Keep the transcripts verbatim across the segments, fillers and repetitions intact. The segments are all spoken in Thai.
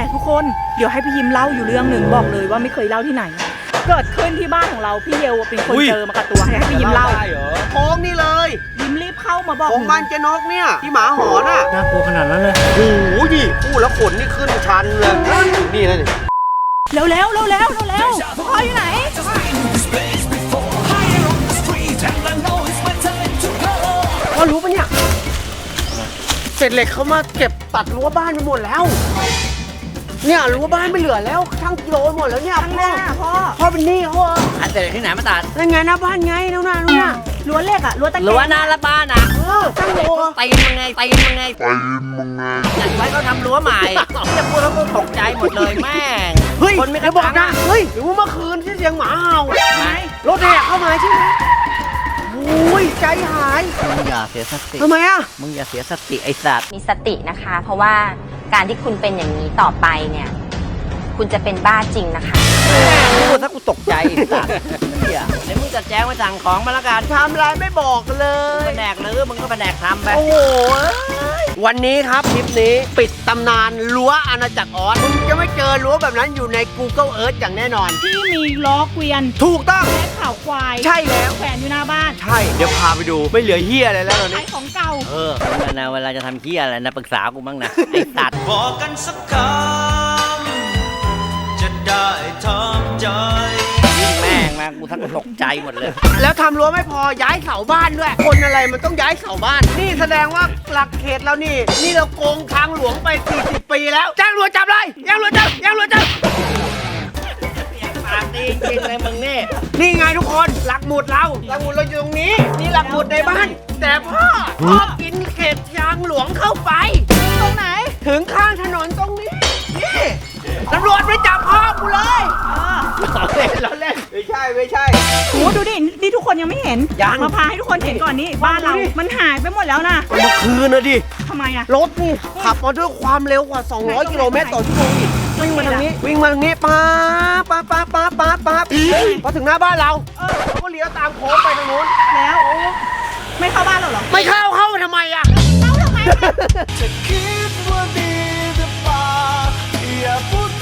ทุกคนเดี๋ยวให้พี่ยิมเล่าอยู่เรื่องหนึ่งบอกเลยว่าไม่เคยเล่าที่ไหน เกิดขึ้นที่บ้านของเราพี่เยลเป็นคนเจอมากับตัวให้พี่ยิมเล่าโค้งนี่เลยยิมรีบเข้ามาบอกโค้งบ้านเจนกเนี่ยที่หมาหอนอ่ะน่ากลัวขนาดนั้นเลยโอ้โหดิพูดแล้วขนนี่ขึ้นชันเลยนี่นะนี่เร็วเร็วเร็วเร็วเร็วพ่ออยู่ไหนพ่อรู้ปะเนี่ยเศษเหล็กเขามาเก็บตัดรั้วบ้านไปหมดแล้วเนี่ยรั้วบ้านไม่เหลือแล้วทั้งกิโลหมดแล้วเนี่ยข้างหน้าพ่อพ่อเป็นหนี้พ่ออันเศษเหล็กที่ไหนมาตัดนั่นไงหน้าบ้านไงนู่นน่ะนู่นน่ะรั้วเหล็กอะรั้วตะเกียบรั้วหน้าละบ้านอ่ะเออตั้งโลตีมึงไงตีมึงไงตีมึงไงจัดไว้เขาทำรั้วใหม่จะพูดแล้วก็ตกใจหมดเลยแม่งเฮ้ยคนไม่ได้บอกนะเฮ้ยหรือว่าเมื่อคืนที่เสียงหมาเห่าไรถแห่เข้ามาใช่ไหมโอ้ยใจหายมึงอย่าเสียสติทำไมอ่ะมึงอย่าเสียสติไอ้สัตว์มีสตินะคะเพราะว่าการที่คุณเป็นอย่างนี้ต่อไปเนี่ยคุณจะเป็นบ้าจริงนะคะพูดถ้ากูตกใจไอ้สัตว์เดี๋ยวเดี๋ยวมึงจะแจ้งมาสั่งของมาละกันทำอะไรไม่บอกเลยแผนกหรือมึงก็แผนกทำไปโอ้โหวันนี้ครับคลิปนี้ปิดตำนานรั้วอาณาจักรออสคุณจะไม่เจอรั้วแบบนั้นอยู่ใน Google Earth อย่างแน่นอนที่มีล้อเกวียนถูกต้องและข่าวควายใช่แล้วแขวนอยู่หน้าบ้านใช่เดี๋ยวพาไปดูไม่เหลือเหี้ยอะไรแล้วตอนนี้ขายของเก่าเออนะเวลาจะทำเหี้ยอะไรนะปรึกษากูบ้างนะไอ้สัตว์บอกกันสักคำจะได้ทำใจแม่งมากูทั้งตกใจหมดเลยแล้วทำรั้วไม่พอย้ายเสาบ้านด้วยคนอะไรมันต้องย้ายเสาบ้านนี่แสดงว่าหลักเขตแล้วนี่นี่เราโกงทางหลวงไปสี่สิบปีแล้วแจ้งรั้วจับเลยแจ้งรั้วจับแจ้งรั้วจับปากดีจริงเลยมึงนี่นี่ไงทุกคนหลักหมุดเราหลักหมุดเราอยู่ตรงนี้นี่หลักหมุดในบ้านแต่พ่อพ่อกินเขตทางหลวงเข้าไปตรงไหนถึงข้างถนนตรงนี้นี่ตำรวจไม่จับพ่อกูเลยเราเล่นเราเล่นไม่ใช่ไม่ใช่โอ้ดูดินี่ทุกคนยังไม่เห็นมาพาให้ทุกคนเห็นก่อนนี่บ้านเรามันหายไปหมดแล้วนะเมื่อคืนนะดิทำไมอะรถนี่ขับมาด้วยความเร็วกว่าสองร้อยกิโลเมตรต่อชั่วโมงวิ่งมาทางนี้วิ่งมาทางนี้ป๊าป๊าป๊าป๊าป๊าป๊าพอถึงหน้าบ้านเราเขาก็เลี้ยวตามโค้งไปทางนู้นแล้วไม่เข้าบ้านเราหรอไม่เข้าเข้าทำไมอะเข้าทำไมจะคิดว่าดีหรือเปล่าอย่าพูดไป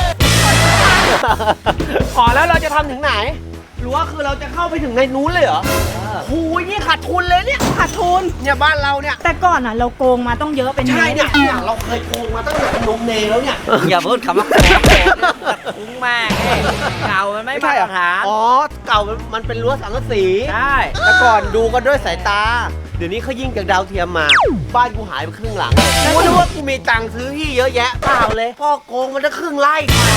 ขอแล้วเราจะทำถึงไหนรั้วคือเราจะเข้าไปถึงในนู้นเลยเหรอโอ้ยนี่ขาดทุนเลยเนี่ยขาดทุนเนี่ยบ้านเราเนี่ยแต่ก่อนอ่ะเราโกงมาต้องเยอะเป็นใช่เนี่ยเราเคยโกงมาตั้งแต่นมเนยแล้วเนี่ยอย่าพูดคำว่าโกงคุ้งมากเก่ามันไม่มาตรฐานอ๋อเก่ามันเป็นรั้วสังกะสีใช่แต่ก่อนดูกันด้วยสายตาเดี๋ยวนี้เขายิงจากดาวเทียมมาบ้านกูหายไปครึ่งหลังกูนึกว่ากูมีตังค์ซื้อที่เยอะแยะเปล่าเลยพ่อโกงมันจะครึ่งไร่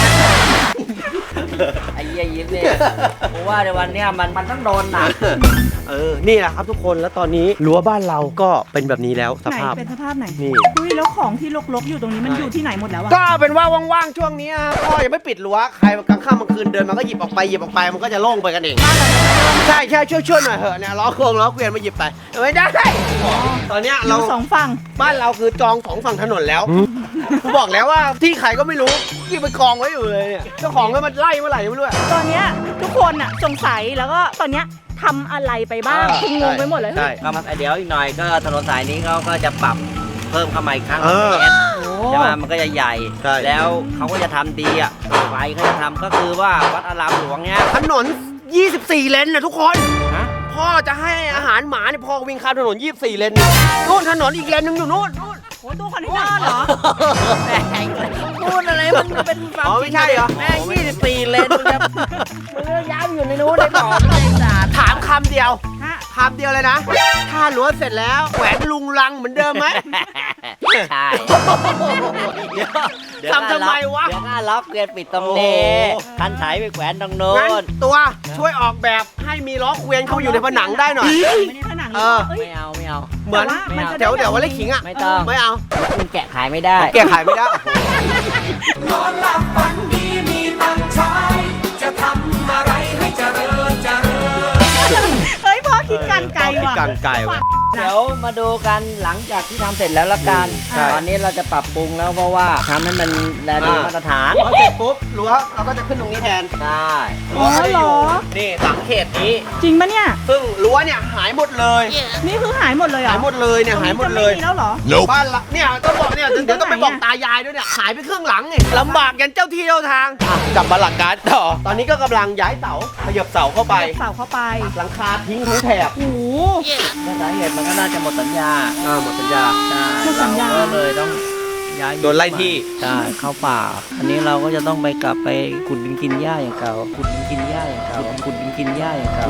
ไอ้เยี่ยยิ้มเนี่ยเพราะว่าในวันเนี้ยมันมันต้องโดนหนักเออนี่แหละครับทุกคนแล้วตอนนี้รั้วบ้านเราก็เป็นแบบนี้แล้วสภาพเป็นสภาพไหนนี่อุ้ยแล้วของที่รกๆอยู่ตรงนี้มันอยู่ที่ไหนหมดแล้วอะก็เป็นว่าว่างๆช่วงนี้พ่อยังไม่ปิดรั้วใครกลางค่ำกลางคืนเดินมาก็หยิบออกไปหยิบออกไปมันก็จะโล่งไปกันเองใช่ใช่ช่วยช่วยหน่อยเถอะเนี่ยล้อโค้งล้อเกวียนมาหยิบไปไม่ได้ตอนเนี้ยเราสองฝั่งบ้านเราคือจองสองฝั่งถนนแล้วกูบอกแล้วว่าที่ใครก็ไม่รู้ที่ไปกองไว้อยู่เลยเนี่ยเจ้าของก็มันไล่เมื่อไหร่ไม่รู้ตอนเนี้ยทุกคนอะสงสัยแล้วก็ตอนเนี้ยทำอะไรไปบ้างคืองงไปหมดเลยใช่ครับเดี๋ยวอีกหน่อยก็ถนนสายนี้เขาก็จะปรับเพิ่มเข้ามาอีกครั้งใช่ไหมมันก็จะใหญ่แล้วเขาก็จะทำดีอ่ะไฟเขาจะทำก็คือว่าวัดอารามหลวงเนี้ยถนนยี่สิบสี่เลนนะทุกคนพ่อจะให้อาหารหมาเนี่ยพ่อวิ่งข้ามถนนยี่สิบสี่เลนนู่นถนนอีกเลนนึงอยู่นู่นนู่นโอ้ตู้คอนเทนเนอร์เหรอแม่งพูดอะไรมันเป็นความไม่ใช่เหรอแม่งยี่สิบสี่เลนมึงจะมึงย้ายอยู่ในนู้นในต่อในศาสตร์ถามคำเดียวคำเดียวเลยนะถ้ารั้วเสร็จแล้วแขวนลุงลังเหมือนเดิมไหมใช่ทำทำไมวะเดี๋ยวก็ล็อกเกวียนปิดตรงนี้คันไถไปแขวนตรงโน้นตัวช่วยออกแบบให้มีล้อเกวียนเข้าอยู่ในผนังได้หน่อยไม่ได้ผนังเออไม่เอาไม่เอาเหมือนเดี๋ยวเดี๋ยววันเล็กขิงอ่ะไม่ต้องไม่เอาคุณแกะขายไม่ได้แกะขายไม่ได้นอนหลับฝันดีมีตังค์ใช้จะทำอะไรให้เจริญเจริญเฮ้ยพ่อคิดการไกลว่ะสั่งไก่ว่ะเดี๋ยวมาดูกันหลังจากที่ทำเสร็จแล้วละกันใช่ตอนนี้เราจะปรับปรุงแล้วเพราะว่าทำให้มันแลดูมาตรฐานพอเสร็จปุ๊บรั้วเราก็จะขึ้นตรงนี้แทนได้อ๋อเหรอนี่หลังเขตนี้จริงปะเนี่ยซึ่งรั้วเนี่ยหายหมดเลยนี่คือหายหมดเลยเหรอหายหมดเลยเนี่ยหายหมดเลยตรงนี้จะไม่มีแล้วเหรอบ้านละเนี่ยต้องบอกเนี่ยเดี๋ยวต้องไปบอกตายายด้วยเนี่ยหายไปครึ่งหลังไงลำบากยันเจ้าที่เจ้าทางอ่ะกลับมาหลักการต่อตอนนี้ก็กำลังย้ายเสาขยับเสาเข้าไปเสาเข้าไปหลังคาทิ้งทั้งแถบโอ้โหสาเหตุมันก็น่าจะหมดสัญญาอ่าหมดสัญญาใช่หมดสัญญาเราก็เลยต้องย้ายโดนไล่ที่ใช่เข้าป่า อันนี้เราก็จะต้องไปกลับไปขุดดินกินหญ้าอย่างเก่าขุดดินกินหญ้าอย่างเก่าขุดดินกินหญ้าอย่างเก่า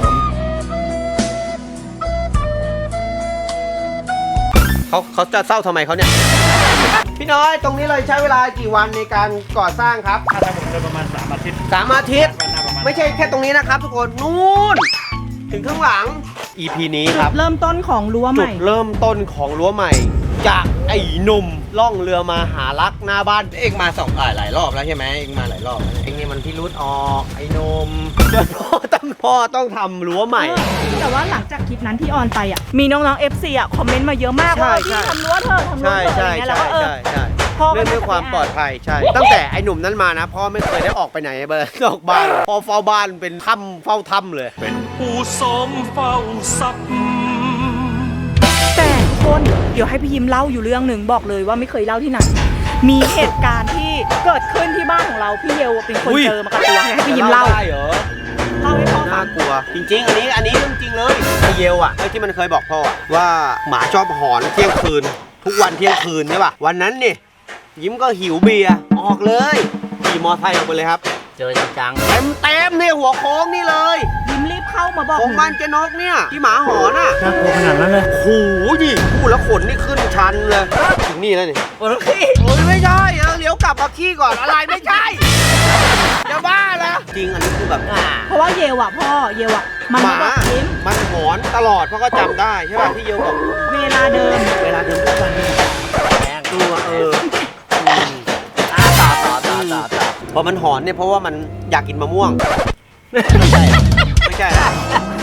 เขาเขาจะเศร้าทำไมเขาเนี่ย พี่น้อยตรงนี้เลยใช้เวลากี่วันในการก่อสร้างครับถ้าผมเดินประมาณสามอาทิตย์สามอาทิตย์ก็น่าประมาณไม่ใช่แค่ตรงนี้นะครับทุกคนนู่นถึงข้างหลัง อี พี นี้ครับเริ่มต้นของรั้วใหจุม่ดเริ่มต้นของรั้วใหม่ จากไอ้หนุ่มล่องเรือมาหารักหน้าบ้านเองมาสองหลายหลายรอบแล้วใช่ไหมเองมาหลายรอบแล้วเองนี่มันพี่รุดออกไอ้หนุ่มพ่อต้องพ่อต้องทำรั้วใหม่แต่ว่าหลังจากคลิปนั้นที่ออนไปอ่ะ มีน้องๆ เอฟ ซี อ่ะ คอมเมนต์มาเยอะมากใช่ว่าใช่พี่ทำรั้วเถอะทำรั้วใช่เถอะอะไรใช่เงี้ยแล้วใช่ก็เออใช่ใช่พ่อก็เรื่องด้วยความปลอดภัยใช่ ตั้งแต่ไอ้หนุ่มนั้นมานะพ่อไม่เคยได้ออกไปไหนเบอร์นอกบ้านพ่อเฝ้าบ้านเป็นถ้ำเฝ้าถ้ำเลยเป็นผู้สมเฝ้าทรัพย์แต่ทุกคนเดี๋ยวให้พี่ยิมเล่าอยู่เรื่องหนึ่งบอกเลยว่าไม่เคยเล่าที่ไหน มีเหตุการณ์ที่เกิดขึ้นที่บ้านของเราพี่เยลเป็นคนอุ้ยเจอมากับตัวให้พี่ยิมเล่าได้เหรอเล่าให้พ่อฟัน่าง กลัว จริง ๆ อันนี้อันนี้เรื่องจริงเลยไอเยลอ่ะไอที่มันเคยบอกพ่ออะว่าหมาชอบหอนเที่ยงคืน ทุกวันเที่ยงคืนใช่ป่ะวันนั้นนี่ยิ้มก็หิวเบียร์ออกเลยขี่มอไซค์ออกไปเลยครับเจอจังเต็มเต็มๆเนี่ยหัวโค้งนี่เลยยิมรีบเข้ามาบอกโค้งหนูบ้านเจนกเนี่ยที่หมาหอนอ่ะๆน่ากลัวขนาดนั้นเลยโอ้โหดิพูดแล้วขนนี่ขึ้นชันเลยถึงนี่แล้วนี่โอ้ยโอ้ยไม่ใช่เออเลี้ยวกลับมาขี้ก่อนอะไรไม่ใช่จะบ้าแล้วจริงอันนี้คือแบบอ่าเพราะว่าเยลอ่ะพ่อเยลอ่ะมันหมามาบอกยิ้มมันหอนตลอดเพราะก็จำได้ใช่ป่ะที่เยลบอกเวลาเดิมเวลาเดินเข้าบ้านนี่แรงตัวเอออ่าต่อต่อต่อต่อต่อพอมันหอนเนี่ยเพราะว่ามันอยากกินมะม่วงไม่ใช่ไม่ใช่นะ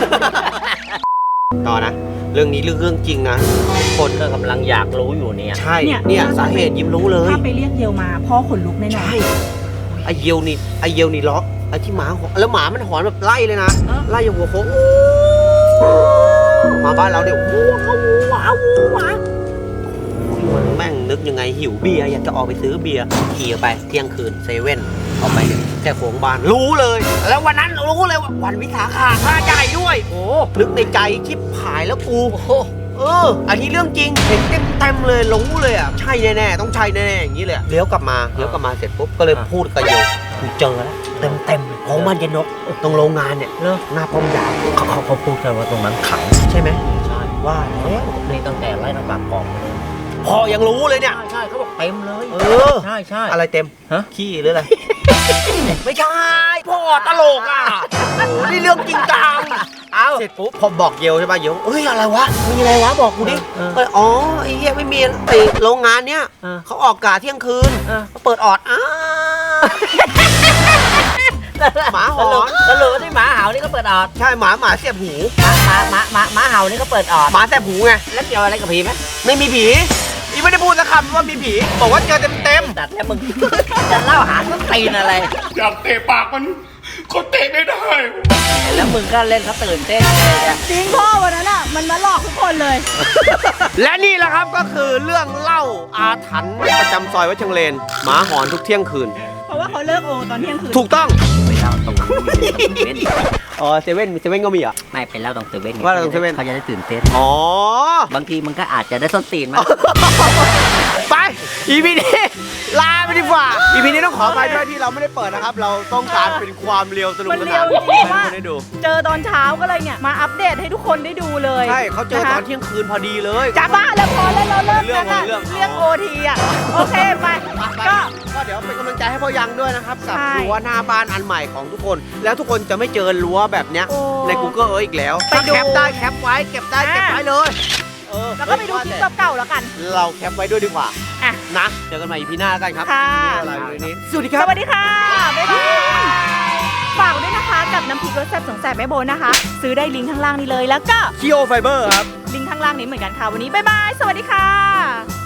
ต่อนะ เรื่องนี้เรื่องเรื่องจริงนะคนก็กำลังอยากรู้อยู่เนี่ยใช่เนี่ยสาเหตุยิ้มรู้เลยถ้าไปเรียกเยลมาพ่อขนลุกแน่นอนใช่ไอเยลนี่ไอเยลนี่ล็อกไอที่หมาหอนแล้วหมามันหอนแบบไล่เลยนะไล่อย่างหัวโค้งมาบ้านเราเนี่ยว้าวว้าวว้าวมันแม่งนึกยังไงหิวเบียร์อยากจะออกไปซื้อเบียร์ขี่ออกไปเที่ยงคืนเซเว่นออกไปเนี่ยแค่โค้งบ้านรู้เลย แล้ววันนั้นรู้เลยว่าวันวิสาขะค่าใหญ่ด้วยโอ้นึกในใจชิบหายแล้วกูเอออันนี้เรื่องจริงเห็นเต็มเต็มๆเลยรู้เลยอ่ะใช่แน่ๆต้องใช่แน่ๆอย่างนี้เลยเลี้ยวกลับมาเลี้ยวกลับมาเสร็จปุ๊บก็เลยพูดกับโยกูเจอแล้วเต็มเต็มๆของมันเย็นนกตรงโรงงานเนี่ยเลิกหน้าป้อมยามเขาเขาเขาพูดกันว่าตรงนั้นขังใช่ไหมใช่ว่าแล้วนี่ตั้งแต่ไล่น้ำปากกล่องพอยังรู้เลยเนี่ยใช่ใช่เขาบอกเต็มเลยเออใช่ใช่อะไรเต็มฮะขี้หรืออะไร ไม่ใช่พ่อตลกอ่ะโอ้โหนี่เรื่องจริงจังเอาเสร็จปุ๊บพอบอกเยลใช่ป่ะเยลเอ้ยอะไรวะมีอะไรวะบอกกูดิเออก็เลยอ๋อไอ้เหี้ยไม่มีไอ้โรงงานเนี้ยเออเขาออกกาเที่ยงคืนเออเขาเปิดออดอ้าหมาหอนสรุปว่าที่หมาเห่านี่ก็เปิดออดใช่หมาหมาเสียบหูหมาหมาหมาหมาหมาเห่านี่ก็เปิดออดหมาแสบหูไงแล้วเกี่ยวอะไรกับผีไหมไม่มีผีอีไม่ได้พูดสักคำว่ามีผีบอกว่าเจอเต็มเต็มแต่แล้วมึง จะเล่าหาต้นตีนอะไรอยากเตะปากมันก็เตะไม่ได้แล้วมึงก็เล่นเขาตื่นเต้นเลยอะจริงพ่อวันนั้นอ่ะมันมาหลอกทุกคนเลยและนี่แหละครับก็คือเรื่องเล่าอาถรรพ์ประจำซอยวัดเชิงเลนหมาหอนทุกเที่ยงคืนเพราะว่าเขาเลิกโอตอนเที่ยงคืนถูกต้องไปเล่าตรงเว้นอ๋อเซเว่นเซเว่นก็มีเหรอ่ะไม่ไปเล่าตรงเซเว่นไงว่าตรงเซเว่นเขาจะได้ตื่นเต้นอ๋อบางทีมันก็อาจจะได้ส้นตีนมาไป อีพีนี้ลาไปดีกว่า อีพีนี้ต้องขอไปด้วยที่เราไม่ได้เปิดนะครับ เราต้องการเป็นความเรียวสนุกมันสเรีนายนวจริงๆว่าให้คนได้ดูเจอตอนเช้าก็เลยเนี่ยมาอัปเดตให้ทุกคนได้ดูเลยใช่เขาเจอตอนนะคะเที่ยงคืนพอดีเลยจ้าบ้าแล้วพอแล้วเราเลิกเรื่องกันอะเรื่องเรื่องโอทีอ่ะโอเคไปก็ก็ก็เดี๋ยวเป็นกำลังใจให้พ่อยังด้วยนะครับ กับใช่รั้วหน้าบ้านอันใหม่ของทุกคน แล้วทุกคนจะไม่เจอรั้วแบบเนี้ยโอ้ใน Google Earth อีกแล้วไปถ้าดูแคปได้แคปไว้เก็บได้เก็บไว้เลยเออแล้วก็ไปดูคลิปเก่าๆแล้วกันเราแคปไว้ด้วยดีกว่าอ่ะนะ เจอกันใหม่ อี พี หน้ากันครับค่ะวันนี้เราอยู่ในนี้สวัสดีคสรับวัสดีค่ะ บ๊ายบาย ฝากด้วยนะคะกับน้ำพริกรสแซ่บสองแสบแม่โบนะคะ ซื้อได้ลิงก์ข้างล่างนี้เลยแล้วก็คีโอไฟเบอร์ครับข้างล่างนี้เหมือนกันค่ะวันนี้บ๊ายบายสวัสดีค่ะ